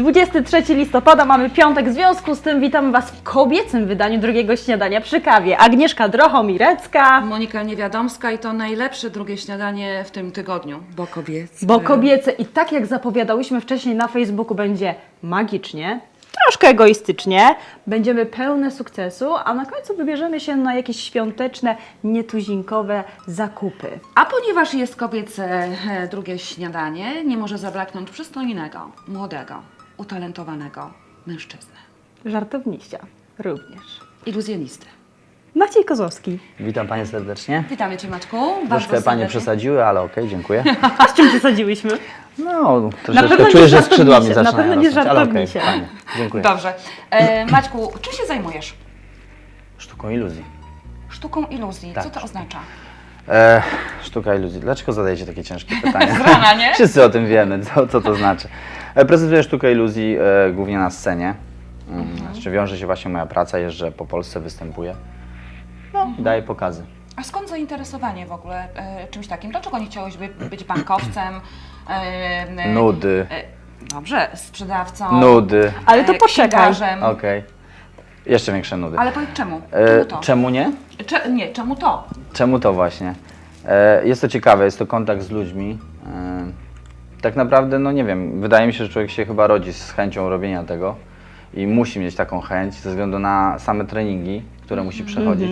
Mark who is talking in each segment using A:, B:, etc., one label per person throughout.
A: 23 listopada, mamy piątek, w związku z tym witamy Was w kobiecym wydaniu drugiego śniadania przy kawie. Agnieszka Drochomirecka.
B: Monika Niewiadomska i to najlepsze drugie śniadanie w tym tygodniu, bo kobiece.
A: Bo kobiece i tak jak zapowiadałyśmy wcześniej na Facebooku, będzie magicznie, troszkę egoistycznie, będziemy pełne sukcesu, a na końcu wybierzemy się na jakieś świąteczne, nietuzinkowe zakupy.
B: A ponieważ jest kobiece drugie śniadanie, nie może zabraknąć przystojnego, młodego, utalentowanego mężczyzny.
A: Żartowniścia również.
B: Iluzjonisty.
A: Maciej Kozłowski.
C: Witam Panie serdecznie.
B: Witamy Cię, Maćku.
C: Troszkę Panie
B: serdecznie.
C: przesadziły, ale okej, dziękuję.
A: A z czym przesadziłyśmy?
C: No,
A: Na
C: troszeczkę
A: pewno nie
C: czuję, że skrzydła mi
A: żartownisie, na
C: zaczynają
A: pewno nie
C: rosnąć, ale okej,
A: żartownisie.
C: Panie, dziękuję.
B: Dobrze. Maćku, czym się zajmujesz?
C: Sztuką iluzji.
B: Sztuką iluzji.
C: Tak.
B: Co to oznacza?
C: Sztuka iluzji. Dlaczego zadajecie takie ciężkie pytania?
B: Z rana, nie?
C: Wszyscy o tym wiemy, co to znaczy. Prezentuję sztukę iluzji głównie na scenie. Z czym wiąże się właśnie moja praca, jeżdżę po Polsce, występuję. No, i daję pokazy.
B: A skąd zainteresowanie w ogóle czymś takim? Dlaczego nie chciałeś być bankowcem?
C: Nudy.
B: Dobrze, sprzedawcą.
C: Nudy.
A: Ale to poczekaj.
B: księgarzem.
C: Okej. Jeszcze większe nudy.
B: Ale powiedz czemu? Czemu to?
C: Czemu nie?
B: Nie, czemu to?
C: Czemu to właśnie? Jest to ciekawe, jest to kontakt z ludźmi. Tak naprawdę, no nie wiem, wydaje mi się, że człowiek się chyba rodzi z chęcią robienia tego i musi mieć taką chęć ze względu na same treningi, które musi przechodzić.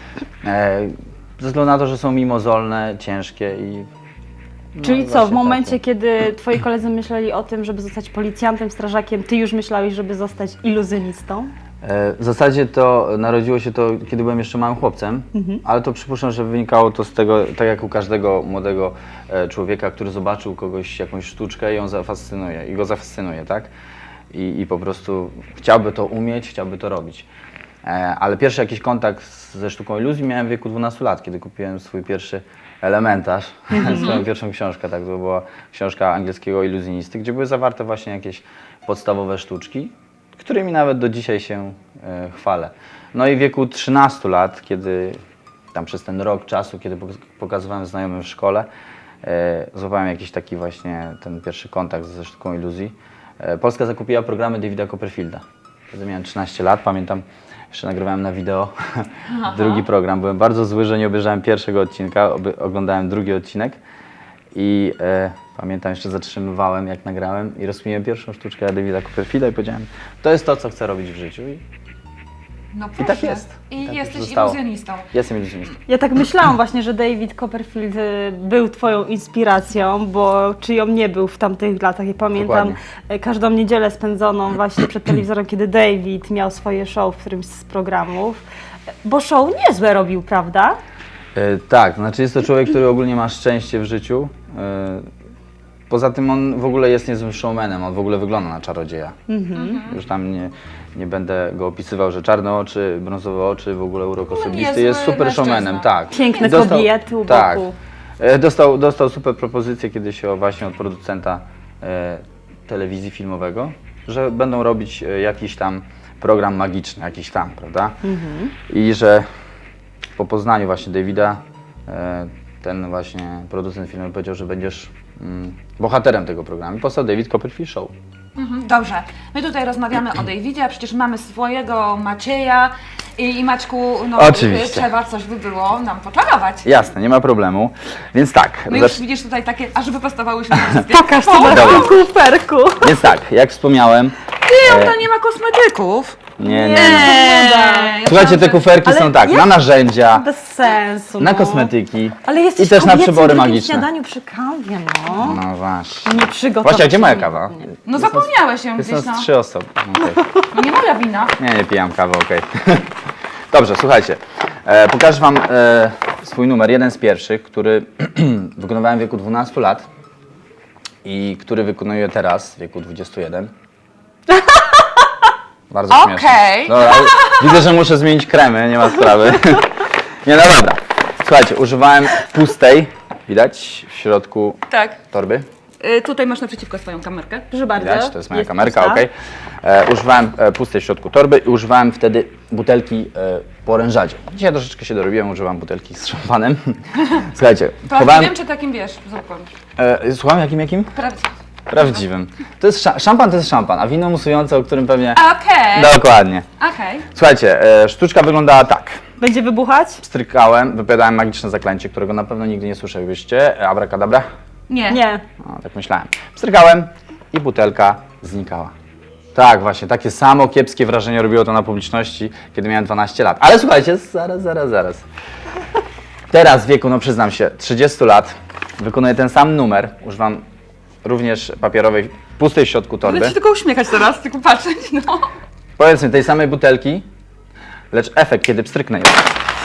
C: Ze względu na to, że są mimozolne, ciężkie i... no,
A: Czyli co, w
C: właśnie
A: momencie,
C: takie.
A: kiedy Twoi koledzy myśleli o tym, żeby zostać policjantem, strażakiem, Ty już myślałeś, żeby zostać iluzjonistą?
C: W zasadzie to narodziło się to, kiedy byłem jeszcze małym chłopcem, ale to przypuszczam, że wynikało to z tego, tak jak u każdego młodego człowieka, który zobaczył kogoś, jakąś sztuczkę i ją zafascynuje, i go zafascynuje, tak? I po prostu chciałby to umieć, chciałby to robić. Ale pierwszy jakiś kontakt ze sztuką iluzji miałem w wieku 12 lat, kiedy kupiłem swój pierwszy elementarz, swoją pierwszą książkę, tak, to była książka angielskiego iluzjonisty, gdzie były zawarte właśnie jakieś podstawowe sztuczki, którymi nawet do dzisiaj się chwalę. No i w wieku 13 lat, kiedy tam przez ten rok czasu, kiedy pokazywałem znajomym w szkole, złapałem jakiś taki właśnie ten pierwszy kontakt ze sztuką iluzji. Polska zakupiła programy Davida Copperfielda. Wtedy miałem 13 lat, pamiętam, jeszcze nagrywałem na wideo drugi program. Byłem bardzo zły, że nie obejrzałem pierwszego odcinka, oglądałem drugi odcinek i pamiętam, jeszcze zatrzymywałem jak nagrałem i rozkminiłem pierwszą sztuczkę Davida Copperfielda i powiedziałem, to jest to, co chcę robić w życiu.
B: No
C: I tak jest.
B: I
C: Tak
B: jesteś
C: już zostało.
B: iluzjonistą.
C: Jestem iluzjonistą.
A: Ja tak myślałam właśnie, że David Copperfield był Twoją inspiracją, bo czyją nie był w tamtych latach. Ja pamiętam
C: Dokładnie.
A: każdą niedzielę spędzoną właśnie przed telewizorem, kiedy David miał swoje show w którymś z programów. Bo show niezłe robił, prawda?
C: Tak, znaczy jest to człowiek, który ogólnie ma szczęście w życiu. Poza tym on w ogóle jest niezłym showmanem, on w ogóle wygląda na czarodzieja. Już tam nie będę go opisywał, że czarne oczy, brązowe oczy, w ogóle urok osobisty,
B: niezły
C: jest super
B: mężczyzna.
C: showmanem, tak.
A: Piękne
C: Dostał-
A: kobiety u
C: tak.
A: boku.
C: Dostał super propozycję kiedyś właśnie od producenta telewizji filmowego, że będą robić jakiś tam program magiczny, jakiś tam, prawda? I że po poznaniu właśnie Davida ten właśnie producent filmowy powiedział, że będziesz bohaterem tego programu. I powstał David Copperfield Show.
B: Dobrze. My tutaj rozmawiamy o Davidzie, a przecież mamy swojego Macieja i Maćku, no
C: Oczywiście.
B: trzeba coś by było nam poczarować.
C: Jasne, nie ma problemu. Więc tak.
B: No już widzisz tutaj takie, aż wyprostowałyśmy wszystkie.
A: Pokaż co masz w tym kuferku.
C: Więc tak, jak wspomniałem.
B: Tam nie ma kosmetyków.
C: Nie.
B: Ja
C: Słuchajcie, te
B: myślałam,
C: kuferki
A: Ale
C: są tak,
A: jak-
C: na narzędzia,
A: Bez sensu.
C: na
A: no.
C: kosmetyki
A: Ale jesteś
C: i też
A: w
C: na
A: kobiecym
C: przybory
A: drugim
C: magiczne.
A: śniadaniu przy kawie, no.
C: No właśnie.
A: Nie przygotowałam.
C: Właśnie, a gdzie moja kawa?
B: No zapomniałeś ją
C: Jest
B: gdzieś,
C: nas
B: no.
C: 3 osoby. Okej.
B: No nie moja wina.
C: Nie pijam kawy, okej. Dobrze, słuchajcie. Pokażę Wam swój numer, jeden z pierwszych, który wykonywałem w wieku 12 lat i który wykonuję teraz w wieku 21. Bardzo śmieszne.
B: Okej.
C: Dobra, widzę, że muszę zmienić kremy, nie ma sprawy. Nie, no dobra. Słuchajcie, używałem pustej, widać, w środku
B: Tak.
C: torby.
B: Tutaj masz naprzeciwko swoją kamerkę.
A: Proszę bardzo.
C: Widać, to jest moja kamerka,
A: pusta.
C: okej. Używałem pustej w środku torby i używałem wtedy butelki po orężadzie. Dzisiaj troszeczkę się dorobiłem, używam butelki z szampanem. Słuchajcie,
B: Prawdziwym czy takim, wiesz, zwykłym?
C: Słucham, jakim?
B: Prawdziwym.
C: Prawdziwym. To jest szampan to jest szampan, a wino musujące, o którym pewnie...
B: Okej.
C: Dokładnie.
B: Okej.
C: Słuchajcie, sztuczka wyglądała tak.
A: Będzie wybuchać?
C: Pstrykałem, wypowiadałem magiczne zaklęcie, którego na pewno nigdy nie słyszeliście. Abracadabra?
B: Nie.
A: Nie.
C: No, tak myślałem. Pstrykałem i butelka znikała. Tak, właśnie, takie samo kiepskie wrażenie robiło to na publiczności, kiedy miałem 12 lat. Ale słuchajcie, zaraz. Teraz w wieku, no przyznam się, 30 lat, wykonuję ten sam numer, używam również papierowej, pustej w środku torby.
B: Będę się tylko uśmiechać teraz, tylko patrzeć, no.
C: Powiedzmy tej samej butelki, lecz efekt, kiedy pstryknę ją,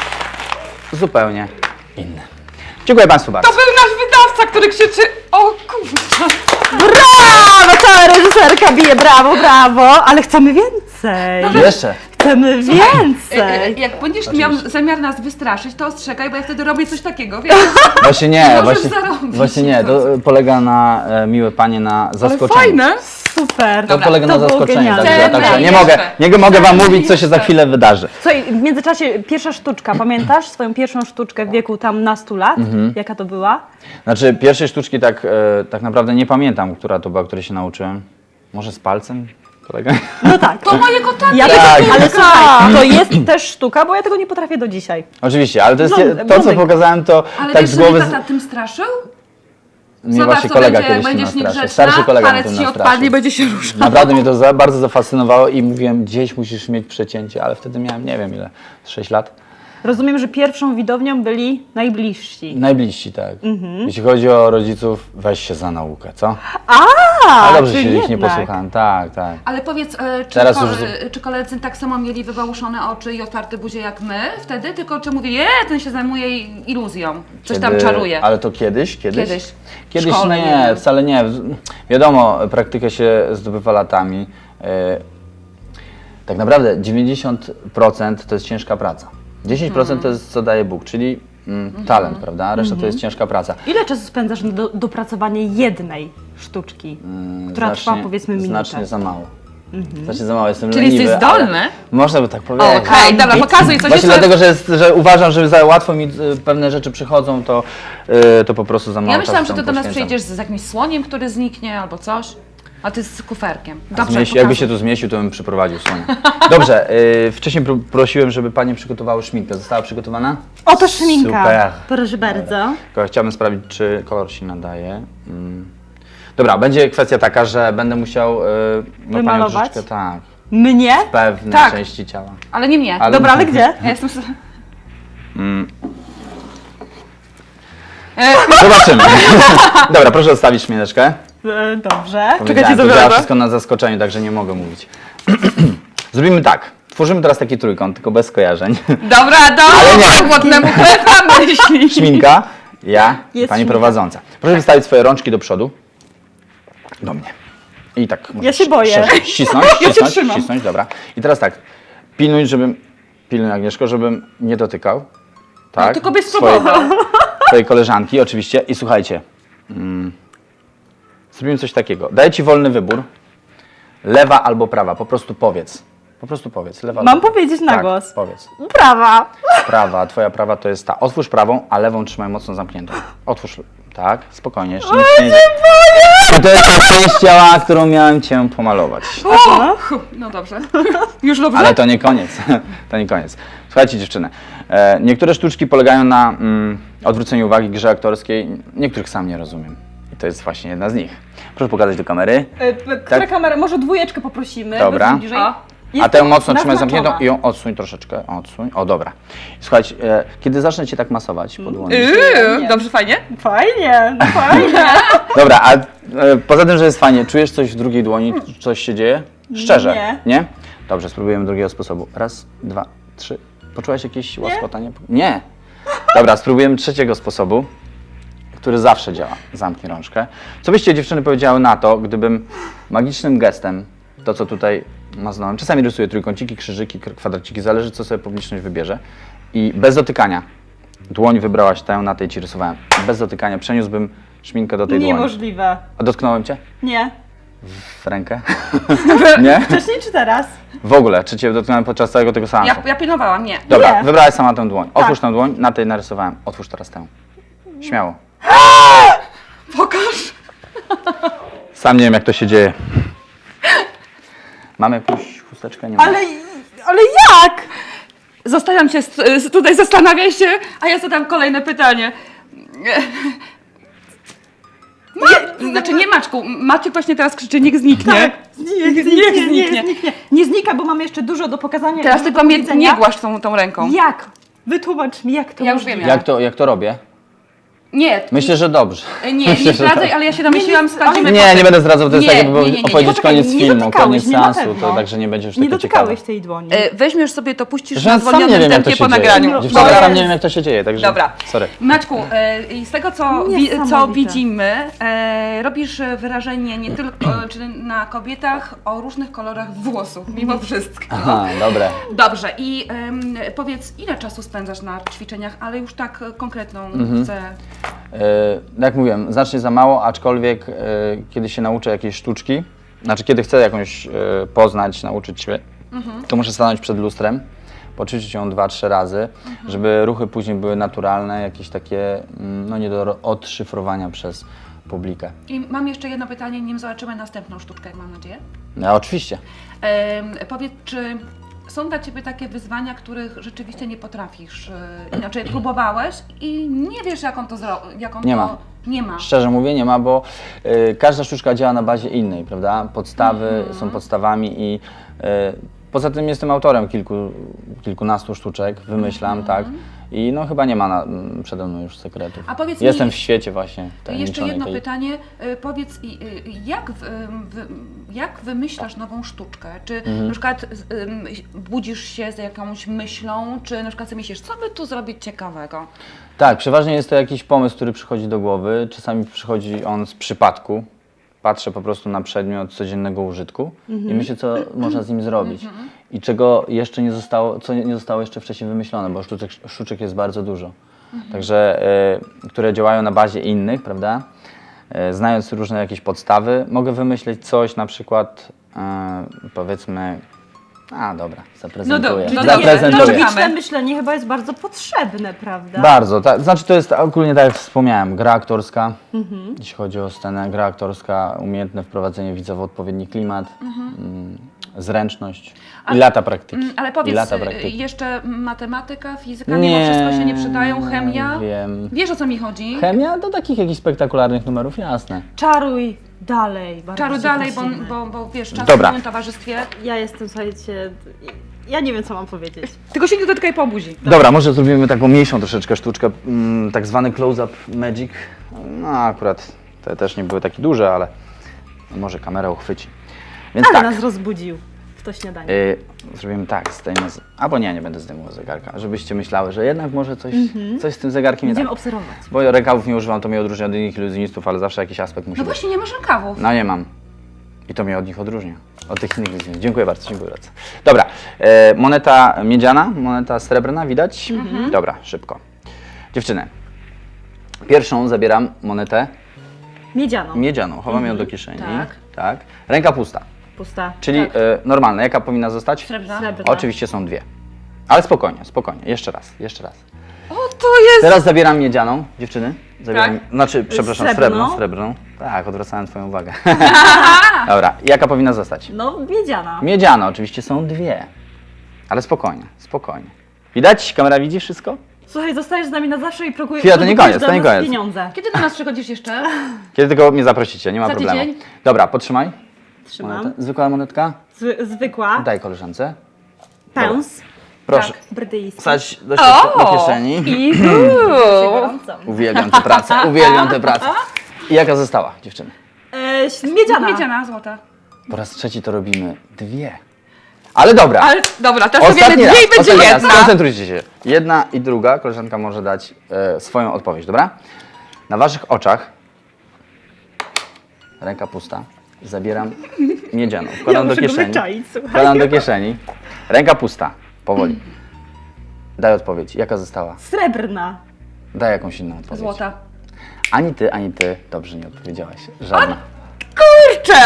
C: zupełnie inny. Dziękuję Państwu bardzo.
B: To był nasz wydawca, który krzyczy, o kurwa.
A: Brawo! Cała reżyserka bije, brawo, ale chcemy więcej.
C: Jeszcze.
A: Chcemy więcej.
B: Jak będziesz miał zamiar nas wystraszyć, to ostrzegaj, bo ja wtedy robię coś takiego, wiesz?
C: Właśnie nie,
B: Możesz zarobić.
C: właśnie nie, to polega na, miłe panie, na
B: Ale
C: zaskoczeniu.
B: fajne.
A: Super.
C: To polega
A: To
C: na
A: było
C: zaskoczeniu,
A: genialne.
C: także
B: Chcemy
C: nie mogę wam
B: jeszcze.
C: mówić, co się za chwilę wydarzy.
A: Słuchaj, w międzyczasie pierwsza sztuczka, pamiętasz swoją pierwszą sztuczkę w wieku tam nastu lat? Jaka to była?
C: Znaczy, pierwszej sztuczki tak naprawdę nie pamiętam, która to była, której się nauczyłem. Może z palcem? Kolega?
A: No tak.
B: To mojego taty.
A: Ja
C: Tak.
A: ale słuchaj, to jest też sztuka, bo ja tego nie potrafię do dzisiaj.
C: Oczywiście, ale to jest to, co
A: Blondynka.
C: pokazałem, to
B: Ale
C: tak
B: wiesz,
C: z
B: że
C: głowy.
B: mnie tata tym straszył?
C: Mnie
B: Zobacz,
C: właśnie
B: co
C: kolega
B: będzie, jak
C: kiedyś
B: będziesz
C: mnie nastraszył.
B: niegrzeczna,
C: Starszy kolega mnie
B: palec
C: tym
B: ci odpadnie,
C: nastraszył.
B: będzie się ruszał.
C: Naprawdę mnie to bardzo zafascynowało i mówiłem, gdzieś musisz mieć przecięcie, ale wtedy miałem, nie wiem ile, 6 lat.
A: Rozumiem, że pierwszą widownią byli najbliżsi.
C: Najbliżsi, tak. Jeśli chodzi o rodziców, weź się za naukę, co?
A: A,
C: Ale dobrze
A: czyli
C: się ich nie
A: jednak.
C: posłuchałem, tak.
B: Ale powiedz, czy,
C: Teraz już-
B: czy koledzy tak samo mieli wybałuszone oczy i otwarte buzie jak my wtedy? Tylko czy mówię, ten się zajmuje iluzją, coś tam
C: Kiedy-
B: czaruje.
C: Ale to kiedyś?
B: Kiedyś.
C: Kiedyś
B: W szkole,
C: nie,
B: nie wiem.
C: wcale nie. Wiadomo, praktykę się zdobywa latami. Tak naprawdę 90% to jest ciężka praca. 10% to jest co daje Bóg, czyli talent, prawda? A reszta to jest ciężka praca.
A: Ile czasu spędzasz na dopracowanie jednej sztuczki, która trwa powiedzmy minutę?
C: Znacznie za mało. Znacznie za mało, jestem
B: Czyli
C: leniwy,
B: jesteś
C: ale
B: zdolny?
C: Można by tak powiedzieć.
B: Okej, dobra, pokazuj coś
C: Właśnie
B: jeszcze.
C: dlatego, że uważam, że za łatwo mi pewne rzeczy przychodzą, to po prostu za mało
B: Ja myślałam,
C: czasu
B: że ty
C: temu
B: do nas
C: poświęcam.
B: przyjdziesz z jakimś słoniem, który zniknie albo coś. A ty z kuferkiem.
C: A
B: Dobrze,
C: jakby
B: pokazuj.
C: się tu zmieścił, to bym przyprowadził słonia. Dobrze, wcześniej prosiłem, żeby panie przygotowały szminkę. Została przygotowana?
A: Oto szminka.
C: Super.
A: Proszę bardzo.
C: Tylko chciałbym sprawdzić, czy kolor się nadaje. Dobra, będzie kwestia taka, że będę musiał panią
A: Wymalować?
C: troszeczkę, tak,
A: Mnie?
C: pewne
B: Tak.
C: części ciała.
B: Ale nie mnie.
C: Ale-
A: Dobra, ale gdzie?
B: Ja jestem...
C: Zobaczymy. Dobra, proszę odstawić szmineczkę.
A: Dobrze.
C: Powiedziałem, to działa wszystko na zaskoczeniu, także nie mogę mówić. Zrobimy tak. Tworzymy teraz taki trójkąt, tylko bez skojarzeń.
B: Dobra, głodnemu chleba myśli.
C: Szminka, ja i
A: Jest
C: pani
A: szminka.
C: prowadząca. Proszę wystawić swoje rączki do przodu. Do mnie. I tak.
A: Ja się boję.
C: szerzej. Ścisnąć,
A: Ja cię
C: ścisnąć,
A: trzymam.
C: ścisnąć, dobra. I teraz tak. Pilnuj Agnieszko, żebym nie dotykał. Tak.
B: Tylko byś
C: swojej-
B: spróbował.
C: Twojej koleżanki, oczywiście. I słuchajcie. Zrobimy coś takiego. Daję ci wolny wybór. Lewa albo prawa. Po prostu powiedz. Po prostu powiedz. Lewa
A: Mam
C: albo...
A: powiedzieć na
C: tak,
A: głos.
C: Powiedz.
A: Prawa.
C: Prawa, twoja prawa to jest ta. Otwórz prawą, a lewą trzymaj mocno zamkniętą. Otwórz. Tak, spokojnie. Jeszcze nic się nie dzieje. I to jest ta część ciała, którą miałem cię pomalować.
B: No dobrze. Już dobrze?
C: Ale to nie koniec. To nie koniec. Słuchajcie dziewczyny, niektóre sztuczki polegają na odwróceniu uwagi, grze aktorskiej. Niektórych sam nie rozumiem. I to jest właśnie jedna z nich. Proszę pokazać do kamery.
A: Która
C: Tak.
A: kamera? Może dwójeczkę poprosimy.
C: Dobra.
A: Będzie bliżej.
B: O.
C: A
A: Jest
C: tę mocno trzymaj
A: naznaczona.
C: zamkniętą i ją odsuń troszeczkę. Odsuń. O, dobra. Słuchajcie, kiedy zacznę cię tak masować po dłoni.
B: Dobrze, fajnie?
A: Fajnie, no fajnie.
C: Dobra, a poza tym, że jest fajnie, czujesz coś w drugiej dłoni? Coś się dzieje? Szczerze?
A: Nie.
C: Nie? Dobrze, spróbujemy drugiego sposobu. Raz, dwa, trzy. Poczułaś jakieś łaskotanie? Nie. Dobra, spróbujemy trzeciego sposobu, który zawsze działa. Zamknij rączkę. Co byście dziewczyny powiedziały na to, gdybym magicznym gestem, to co tutaj maznąłem, czasami rysuję trójkąciki, krzyżyki, kwadraciki, zależy co sobie publiczność wybierze i bez dotykania, dłoń wybrałaś tę, na tej ci rysowałem, bez dotykania przeniósłbym szminkę do tej dłoni.
A: Niemożliwe.
C: A dotknąłem cię?
A: Nie.
C: W rękę? Nie?
A: Wcześniej czy teraz?
C: W ogóle, czy cię dotknąłem podczas całego tego seansu?
B: Ja pilnowałam, nie.
C: Dobra,
A: Nie.
C: wybrałaś sama tę dłoń. Otwórz
A: Tak.
C: tę dłoń, na tej narysowałem. Otwórz teraz tę. Śmiało.
B: Pokaż.
C: Sam nie wiem, jak to się dzieje. Mamy jakąś chusteczkę? Nie ma.
A: Ale jak?
B: Zostawiam cię tutaj, zastanawiaj się, a ja zadam kolejne pytanie. Znaczy nie Maczku, Maciek właśnie teraz krzyczy, niech zniknie.
A: Tak,
B: Niech zniknie.
A: Nie znika, bo mam jeszcze dużo do pokazania.
B: Teraz
A: dużo
B: tylko
A: do
B: mnie
A: powiedzenia.
B: nie głaszcz tą ręką.
A: Jak? Wytłumacz mi, jak to
B: Ja już
A: możliwe?
B: wiem.
C: Jak to robię?
B: Nie,
C: Myślę, że dobrze.
B: nie zdradzaj, ale ja się domyśliłam, sprawdzimy
C: Nie,
B: potem.
C: nie będę zdradzał, to jest
B: Nie,
C: tak jakby
B: nie, nie.
C: opowiedzieć
A: Poczekaj,
C: koniec
A: nie
C: filmu,
A: dotykałeś
C: koniec
A: mnie na
C: seansu,
A: pewno.
C: to także nie będzie już
A: Nie
C: takie ciekawe.
A: dotykałeś tej dłoni.
B: Weźmiesz sobie to, puścisz
C: Że
B: na
C: ja sam nie
B: zwolnionym
C: wiem, jak to
B: tempie
C: się
B: po
C: dzieje.
B: nagraniu.
C: Dziewczyny,
B: Bo
C: ja
B: jest-
C: sam nie wiem, jak to się dzieje, także
B: Dobra.
C: sorry.
B: Maćku, i z tego, co
A: Niesamowite.
B: widzimy, robisz wyrażenie nie tylko czy na kobietach o różnych kolorach włosów, mimo wszystko.
C: Aha, dobre.
B: Dobrze, i powiedz, ile czasu spędzasz na ćwiczeniach, ale już tak konkretną chcę.
C: Jak mówiłem, znacznie za mało, aczkolwiek kiedy się nauczę jakiejś sztuczki, znaczy kiedy chcę jakąś poznać, nauczyć się, to muszę stanąć przed lustrem, poćwiczyć ją 2-3 razy, żeby ruchy później były naturalne, jakieś takie no nie do odszyfrowania przez publikę.
B: I mam jeszcze jedno pytanie, nim zobaczymy następną sztuczkę, mam nadzieję.
C: No, oczywiście.
B: Powiedz, czy są dla Ciebie takie wyzwania, których rzeczywiście nie potrafisz, inaczej próbowałeś i nie wiesz, jak on to zrobi?
C: Nie ma.
B: Nie ma.
C: Szczerze mówię, nie ma, bo każda sztuczka działa na bazie innej, prawda? Podstawy są podstawami i poza tym jestem autorem kilkunastu sztuczek, wymyślam, tak? I no chyba nie ma przede mną już sekretów.
B: A powiedz
C: Jestem
B: mi,
C: w świecie właśnie
B: jeszcze
C: tajemniczonej
B: jedno
C: tej...
B: pytanie. Powiedz, jak wymyślasz nową sztuczkę? Czy na przykład budzisz się z jakąś myślą, czy na przykład sobie myślisz, co by tu zrobić ciekawego?
C: Tak, przeważnie jest to jakiś pomysł, który przychodzi do głowy. Czasami przychodzi on z przypadku. Patrzę po prostu na przedmiot codziennego użytku i myślę, co można z nim zrobić. I czego jeszcze nie zostało, co nie zostało jeszcze wcześniej wymyślone, bo sztuczek jest bardzo dużo. Także, które działają na bazie innych, prawda? Znając różne jakieś podstawy, mogę wymyśleć coś, na przykład, powiedzmy, dobra, zaprezentuję.
B: No
C: Zaprezentuję.
A: Logiczne myślenie chyba jest bardzo potrzebne, prawda?
C: Bardzo, tak. Znaczy to jest ogólnie tak jak wspomniałem, gra aktorska, jeśli chodzi o scenę, gra aktorska, umiejętne wprowadzenie widza w odpowiedni klimat, zręczność i lata praktyki.
B: Ale
C: I
B: powiedz,
C: lata praktyki.
B: jeszcze matematyka, fizyka, mimo wszystko się nie przydają, chemia?
C: Wiem.
B: Wiesz, o co mi chodzi?
C: Chemia do takich jakichś spektakularnych numerów, jasne.
A: Czaruj dalej. bardzo
B: Czaru
A: cię
B: dalej,
A: prosimy.
B: bo wiesz, czas
C: Dobra.
B: w moim towarzystwie.
A: Ja jestem, słuchajcie, ja nie wiem, co mam powiedzieć.
B: Tylko się nie dotykaj po buzi.
C: Dobra, może zrobimy taką mniejszą troszeczkę sztuczkę, tak zwany close-up magic. No akurat te też nie były takie duże, ale może kamera uchwyci. Więc
A: Ale
C: tak.
A: nas rozbudził w to śniadanie.
C: Zrobimy tak, zdejmę, albo nie będę zdejmował zegarka, żebyście myślały, że jednak może coś z tym zegarkiem nie
A: Będziemy
C: tak.
A: obserwować.
C: Bo rękawów nie używam, to mnie odróżnia od innych iluzjonistów, ale zawsze jakiś aspekt musi
B: No
C: być.
B: właśnie, nie masz rękawów.
C: No nie mam. I to mnie od nich odróżnia. Od tych innych iluzjonistów. Dziękuję bardzo, dziękuję bardzo. Dobra, moneta miedziana, moneta srebrna, widać? Dobra, szybko. Dziewczyny, pierwszą zabieram monetę
A: Miedzianą.
C: miedzianą, chowam ją do kieszeni.
B: Tak.
C: Tak. Ręka pusta,
A: Pusta.
C: czyli normalna. Jaka powinna zostać?
B: Srebrna.
A: Srebrna.
C: Oczywiście są dwie. Ale spokojnie, spokojnie. Jeszcze raz.
B: O, to jest...
C: Teraz zabieram miedzianą, dziewczyny. Zabieram,
B: Tak.
C: Znaczy, przepraszam,
A: Srebrną?
C: srebrną. Tak, odwracałem twoją uwagę. Dobra, jaka powinna zostać?
A: No, miedziana.
C: Miedziana, oczywiście są dwie. Ale spokojnie, spokojnie. Widać? Kamera widzi wszystko?
A: Słuchaj, zostajesz z nami na zawsze i próbujesz
C: Chwila, to nie koniec,
A: dla
C: to nie
A: nas
C: koniec.
A: pieniądze.
B: Kiedy do nas przychodzisz jeszcze?
C: Kiedy tylko mnie zaprosicie, nie ma
B: Za
C: problemu.
B: tydzień?
C: Dobra, podtrzymaj.
A: Trzymam.
C: Monetę. Zwykła monetka?
A: Zwykła.
C: Daj koleżance.
A: Pęs.
C: Proszę.
B: Tak.
A: Brytyjski.
C: Wsadź do kieszeni.
B: I
A: Gorącą.
C: Uwielbiam tę pracę, uwielbiam tę pracę. I jaka została, dziewczyny?
A: Miedziana.
B: Miedziana, złota.
C: Po raz trzeci to robimy dwie. Ale dobra.
B: Ale dobra, teraz
C: Ostatni
B: powiemy
C: raz,
B: dwie i będzie
C: ostatni raz.
B: jedna.
C: Skoncentrujcie się. Jedna i druga koleżanka może dać swoją odpowiedź, dobra? Na waszych oczach, ręka pusta, zabieram miedzianą. Wkładam do
A: muszę go
C: kieszeni.
A: wyczaić, słuchaj.
C: Wkładam do kieszeni. Ręka pusta, powoli. Daj odpowiedź. Jaka została?
A: Srebrna.
C: Daj jakąś inną odpowiedź.
B: Złota.
C: Ani ty dobrze nie odpowiedziałaś. Żadna.
B: Kurczę!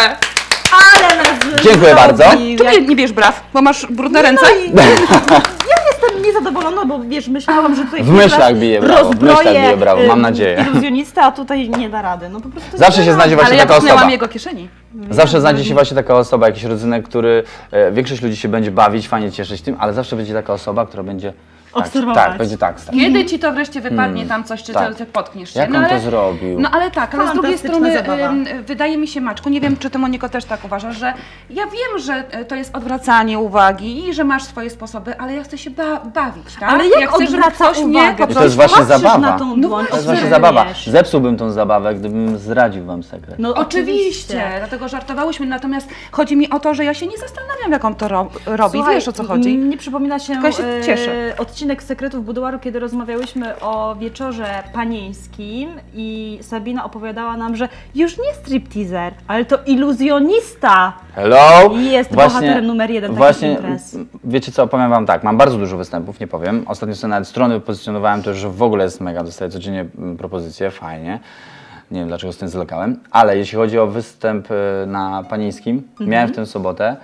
A: Ale nas
C: Dziękuję bardzo.
A: zrobił.
B: Tu nie bierz braw, bo masz brudne ręce.
A: No i ja jestem niezadowolona, bo wiesz, myślałam, że tutaj
C: W myślach bije brawo, w myślach
A: rozbroję,
C: bije brawo, mam nadzieję.
A: iluzjonista, a tutaj nie da rady. No po prostu
C: Zawsze
A: nie
C: się
A: da
C: znajdzie
A: rady.
C: właśnie
B: Ale ja
C: taka osoba.
B: dotknęłam jego kieszeni.
C: Zawsze znajdzie się właśnie taka osoba, jakiś rodzynek, który większość ludzi się będzie bawić, fajnie cieszyć tym, ale zawsze będzie taka osoba, która będzie
A: Obserwować.
C: Tak, będzie tak.
B: Kiedy ci to wreszcie wypadnie tam coś, czy
C: tak.
B: potkniesz się?
C: Jak on to zrobił?
B: No ale tak, ale z drugiej
A: Fantastyczna
B: strony
A: zabawa.
B: wydaje mi się, Maczku, nie wiem, czy ty, Moniko, też tak uważasz, że ja wiem, że to jest odwracanie uwagi i że masz swoje sposoby, ale ja chcę się bawić, tak?
A: Ale jak
B: ja chcę, żeby
A: odwraca
B: ktoś mnie
A: uwagę?
B: po
C: I to jest
B: prostu...
C: właśnie
A: patrzysz
C: zabawa.
A: na tą
B: No
A: dłoń,
C: To jest
B: Obserwujesz.
C: właśnie zabawa. Zepsułbym tą zabawę, gdybym zdradził wam sekret.
A: No
B: Oczywiście, dlatego żartowałyśmy, natomiast chodzi mi o to, że ja się nie zastanawiam, jak on to robi.
A: Słuchaj,
B: Wiesz, o co chodzi?
A: Nie przypomina się,
B: Tylko ja się cieszę.
A: odcinek Sekretów Buduaru, kiedy rozmawiałyśmy o wieczorze panieńskim i Sabina opowiadała nam, że już nie stripteaser, ale to iluzjonista.
C: Hello!
A: Jest bohaterem numer 1 takich
C: Właśnie,
A: imprez.
C: wiecie co, powiem wam tak, mam bardzo dużo występów, nie powiem. Ostatnio sobie nawet strony wypozycjonowałem, to już w ogóle jest mega, dostaję codziennie propozycje, fajnie. Nie wiem dlaczego z tym zlokałem, ale jeśli chodzi o występ na panieńskim, miałem w tę sobotę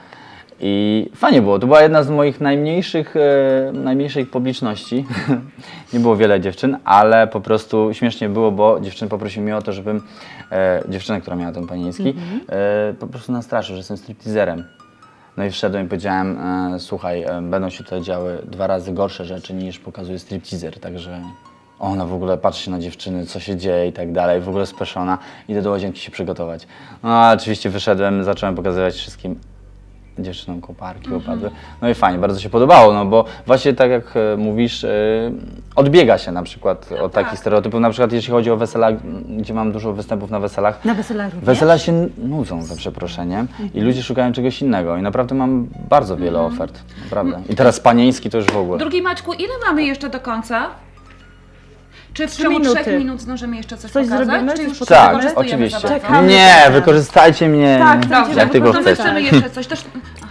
C: i fajnie było. To była jedna z moich najmniejszej publiczności. Nie było wiele dziewczyn, ale po prostu śmiesznie było, bo dziewczyny poprosiły mnie o to, żebym dziewczynę, która miała ten panieński, po prostu nastraszył, że jestem stripteaserem. No i wszedłem i powiedziałem, słuchaj, będą się tutaj działy 2 razy gorsze rzeczy niż pokazuje stripteaser, także ona w ogóle patrzy się na dziewczyny, co się dzieje i tak dalej, w ogóle speszona, idę do łazienki się przygotować. No a oczywiście wyszedłem, zacząłem pokazywać wszystkim dziewczynom koparki opadły. No i fajnie, bardzo się podobało, no bo właśnie tak jak mówisz, odbiega się na przykład od takich stereotypów, na przykład jeśli chodzi o wesela, gdzie mam dużo występów na weselach.
A: Na weselach również?
C: Wesela się nudzą, za przeproszeniem, i ludzie szukają czegoś innego i naprawdę mam bardzo wiele ofert, naprawdę. I teraz panieński to już w ogóle.
B: Drugi Maćku, ile mamy jeszcze do końca? Czy w
A: 3
B: ciągu
A: minuty.
B: 3 minut zdążymy jeszcze coś
A: Coś
B: pokazać?
A: zrobimy?
B: Czy
A: Coś
B: już
A: pokażemy?
C: Tak,
B: wykorzystujemy
C: oczywiście.
B: za bardzo?
A: Czekamy.
C: Nie,
A: teraz.
C: wykorzystajcie mnie.
A: Tak,
B: Dobrze,
C: jak tylko
B: to
C: chcecie.
B: chcemy jeszcze coś też... Aha.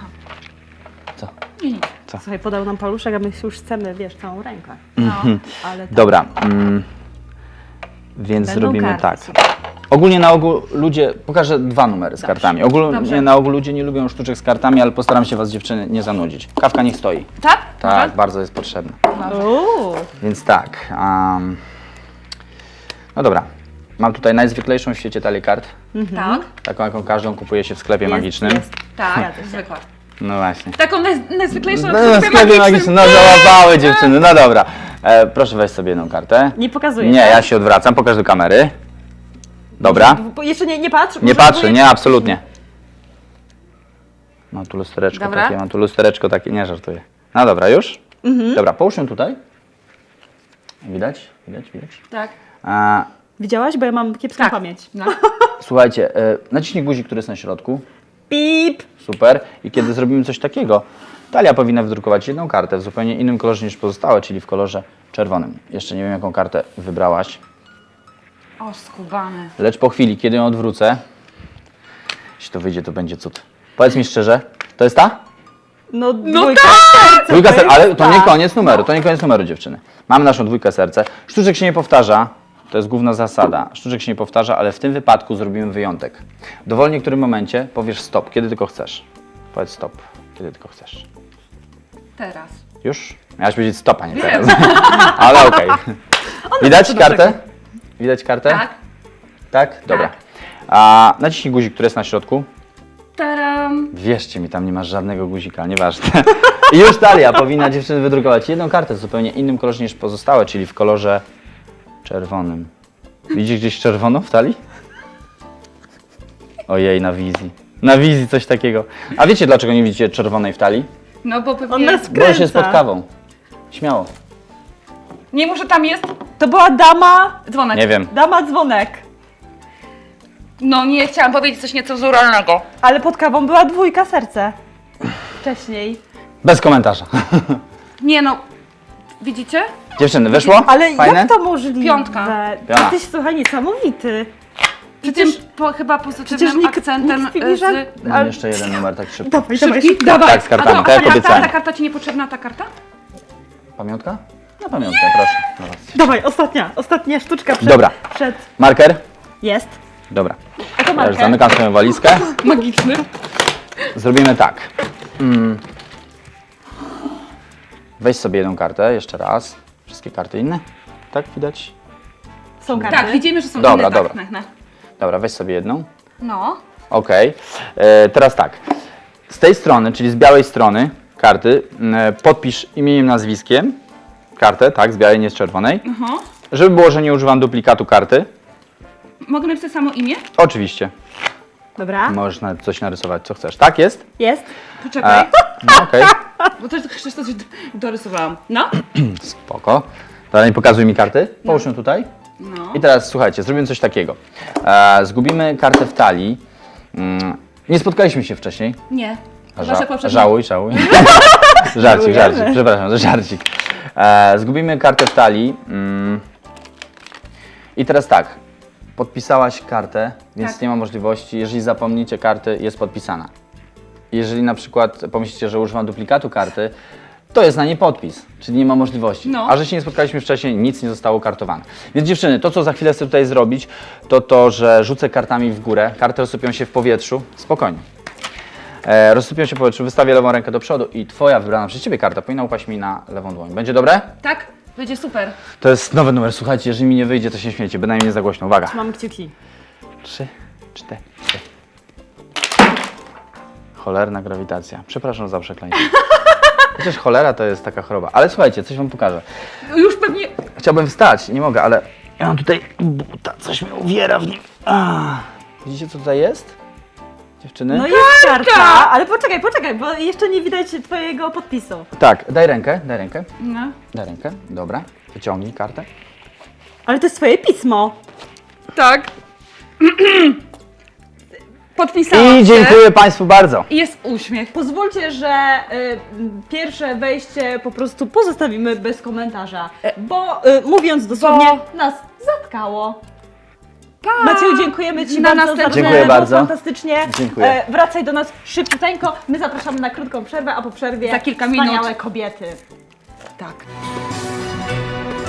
C: Co?
B: Nie, nie.
A: Słuchaj, podał nam paluszek, a my już chcemy, wiesz, całą rękę.
B: No.
A: Ale tak.
C: Dobra, więc
A: Będą
C: zrobimy
A: karty,
C: tak.
A: super.
C: Ogólnie na ogół ludzie, pokażę 2 numery z kartami. Ogólnie
B: Dobrze.
C: na ogół ludzie nie lubią sztuczek z kartami, ale postaram się was dziewczyny nie zanudzić. Kawka niech stoi.
B: Tak?
C: Tak, bardzo jest potrzebna.
A: Uuu.
C: Więc tak. No dobra. Mam tutaj najzwyklejszą w świecie talię kart.
B: Tak,
C: Taką, jaką każdą kupuje się w sklepie magicznym.
A: Jest.
B: tak, zwykła.
C: No właśnie.
B: Taką najzwyklejszą
C: No, w sklepie magicznym. No załapały dziewczyny. No dobra. Proszę weź sobie jedną kartę.
A: Nie pokazuję.
C: Nie,
A: tak?
C: ja się odwracam. Pokaż do kamery. Dobra.
A: Bo jeszcze nie patrz.
C: Nie
A: może
C: patrzę,
A: próbuję-
C: nie, absolutnie. Mam tu lustereczko
B: Dobra.
C: takie, mam tu lustereczko takie, nie żartuję. No dobra, już? Dobra, połóż ją tutaj. Widać? Widać?
B: Tak.
A: Widziałaś? Bo ja mam kiepską
B: Tak.
A: pamięć.
B: No.
C: Słuchajcie, naciśnij guzik, który jest na środku.
A: Pip!
C: Super. I kiedy zrobimy coś takiego, talia powinna wydrukować jedną kartę w zupełnie innym kolorze niż pozostałe, czyli w kolorze czerwonym. Jeszcze nie wiem, jaką kartę wybrałaś,
B: O, skubany.
C: lecz po chwili, kiedy ją odwrócę, jeśli to wyjdzie, to będzie cud. Powiedz mi szczerze, to jest ta?
A: No,
B: tak!
A: dwójka serca.
C: Dwójka serca, ale to nie
A: tak.
C: koniec numeru, to nie koniec numeru, dziewczyny. Mamy naszą dwójkę serce. Sztuczek się nie powtarza, to jest główna zasada. Sztuczek się nie powtarza, ale w tym wypadku zrobimy wyjątek. W dowolnie którym momencie powiesz stop, kiedy tylko chcesz. Powiedz stop, kiedy tylko chcesz.
B: Teraz.
C: Już? Miałaś powiedzieć stop, a nie
B: Wiem.
C: teraz. Ale okej. Widać kartę? Widać kartę?
B: Tak.
C: Tak? Dobra. Naciśnij guzik, który jest na środku.
B: Taram.
C: Wierzcie mi, tam nie masz żadnego guzika, nieważne. I już talia powinna dziewczyny wydrukować jedną kartę w zupełnie innym kolorze niż pozostałe, czyli w kolorze czerwonym. Widzisz gdzieś czerwono w talii? Ojej, na wizji. Na wizji coś takiego. A wiecie dlaczego nie widzicie czerwonej w talii?
B: No bo
A: On
B: pewnie...
A: nas
C: Bo już jest pod
A: wkręca.
C: kawą. Śmiało.
B: Nie, może tam jest
A: To była dama,
B: dzwonek.
C: Nie wiem.
A: dama dzwonek.
B: No nie, chciałam powiedzieć coś niecenzuralnego.
A: Ale pod kawą była dwójka serce. Wcześniej.
C: Bez komentarza.
B: Nie no, widzicie?
C: Dziewczyny, wyszło?
A: Ale
C: Fajne?
A: jak to możliwe?
B: Piątka.
C: Piona.
A: Jesteś, słuchaj, niesamowity.
B: I
A: Przecież-
B: tym chyba
A: Przecież
B: pozytywnym
A: nikt
B: akcentem
A: z filiżan...
C: Mam jeszcze jeden numer tak szybko.
A: Dawaj,
B: Szybki?
A: dawaj.
C: Tak, z kartami,
B: A
C: tak jak
B: ta
C: obiecałem.
B: karta ci niepotrzebna, ta karta?
C: Pamiątka? Na pamiątkę, proszę. Dobra.
A: Dawaj, ostatnia sztuczka przed...
C: Dobra.
A: Przed...
C: Marker?
A: Jest.
C: Dobra.
A: to
C: Ja już
A: marker.
C: zamykam swoją walizkę.
B: Magiczny.
C: Zrobimy tak. Weź sobie jedną kartę, jeszcze raz. Wszystkie karty inne? Tak, widać?
A: Są karty.
B: Tak, widzimy, że są
C: Dobra,
B: inne.
C: dobra.
B: Tak,
C: Dobra, weź sobie jedną.
B: No.
C: Okej. Teraz tak. Z tej strony, czyli z białej strony karty, podpisz imieniem, nazwiskiem kartę, tak, z białej, nie z czerwonej. Żeby było, że nie używam duplikatu karty.
B: Mogę napisać samo imię?
C: Oczywiście.
A: Dobra.
C: Możesz nawet coś narysować, co chcesz. Tak jest?
A: Jest.
B: Poczekaj,
C: No, okej.
B: bo też coś dorysowałam. No.
C: Spoko. Dalej pokazuj mi karty. Połóż ją tutaj.
B: No.
C: I teraz słuchajcie, zrobimy coś takiego. Zgubimy kartę w talii. Nie spotkaliśmy się wcześniej.
B: Nie. Chyba, że poprzednio-
C: Żałuj. żarcik, przepraszam, to żarcik. Zgubimy kartę w talii. I teraz tak, podpisałaś kartę, więc
B: Tak.
C: nie ma możliwości, jeżeli zapomnicie karty, jest podpisana. Jeżeli na przykład pomyślicie, że używam duplikatu karty, to jest na niej podpis, czyli nie ma możliwości.
B: No.
C: A że się nie spotkaliśmy wcześniej, nic nie zostało kartowane. Więc dziewczyny, to co za chwilę chcę tutaj zrobić, to to, że rzucę kartami w górę, karty rozsypią się w powietrzu, spokojnie. Rozsypią się w powietrzu, wystawię lewą rękę do przodu i twoja wybrana przez ciebie karta powinna upaść mi na lewą dłoń. Będzie dobre?
B: Tak? Będzie super.
C: To jest nowy numer, słuchajcie, jeżeli mi nie wyjdzie, to się śmiejcie, bynajmniej nie za głośno. Uwaga.
A: Mam kciuki.
C: 3, 4. Cholerna grawitacja. Przepraszam za przekleństwo. Chociaż cholera to jest taka choroba. Ale słuchajcie, coś wam pokażę.
B: Już pewnie...
C: Chciałbym wstać, nie mogę, ale ja mam tutaj buta, coś mnie uwiera w nim. Widzicie, co tutaj jest? Dziewczyny?
A: No jest karta, ale poczekaj, bo jeszcze nie widać twojego podpisu.
C: Tak, daj rękę.
B: No.
C: Daj rękę, dobra. Wyciągnij kartę.
A: Ale to jest twoje pismo.
B: Tak. Podpisałam
C: I dziękuję
B: się.
C: Państwu bardzo.
B: I jest uśmiech.
A: Pozwólcie, że pierwsze wejście po prostu pozostawimy bez komentarza, bo mówiąc dosłownie, nas zatkało. Macieju, dziękujemy Ci
B: Na
A: bardzo za
B: następne-
A: rozmowę,
C: Dziękuję
A: było
C: bardzo.
A: fantastycznie.
C: Dziękuję.
A: Wracaj do nas szybciuteńko, my zapraszamy na krótką przerwę, a po przerwie
B: Za kilka
A: wspaniałe
B: minut.
A: kobiety.
B: Tak.